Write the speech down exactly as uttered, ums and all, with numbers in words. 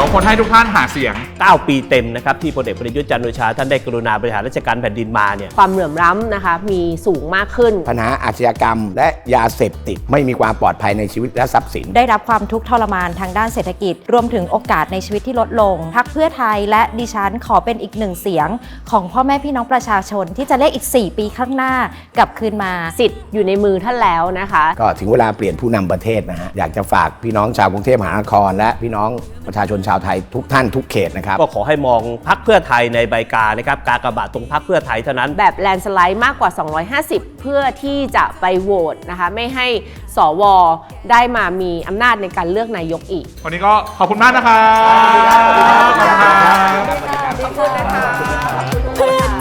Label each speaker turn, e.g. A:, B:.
A: องคนให้ทุกท่านหาเสียง
B: เก้าปีเต็มนะครับที่พลเอกประยุทธ์จันทร์โอชาท่านได้กรุณาบริหารราชการแผ่นดินมาเนี่ย
C: ความเหลื่อมล้ำนะคะมีสูงมากขึ้น
D: ปัญหาอาชญากรรมและยาเสพติดไม่มีความปลอดภัยในชีวิตและทรัพย์สิน
E: ได้รับความทุกข์ทรมานทางด้านเศรษฐกิจรวมถึงโอกาสในชีวิตที่ลดลงพรรคเพื่อไทยและดิฉันขอเป็นอีกหนึ่งเสียงของพ่อแม่พี่น้องประชาชนที่จะเรียกอีกสี่ปีข้างหน้ากลับคืนมา
C: สิทธิ์อยู่ในมือท่านแล้วนะคะ
D: ก็ถึงเวลาเปลี่ยนผู้นำประเทศนะฮะอยากจะฝากพี่น้องชาวกรุงเทพมหานครและพี่น้องประชาชนชาวไทยทุกท่านทุกเขตนะครับ
B: ก็ขอให้มองพรรคเพื่อไทยในใบกานะครับกากบาทตรงพรรคเพื่อไทยเท่านั้น
C: แบบแลนสไลด์มากกว่าสองร้อยห้าสิบเพื่อที่จะไปโหวตนะคะไม่ให้สวได้มามีอำนาจในการเลือกนายกอีก
A: วันนี้ก็ขอบคุณมากนะครับขอบคุณครับ
C: ขอบคุณนะคะ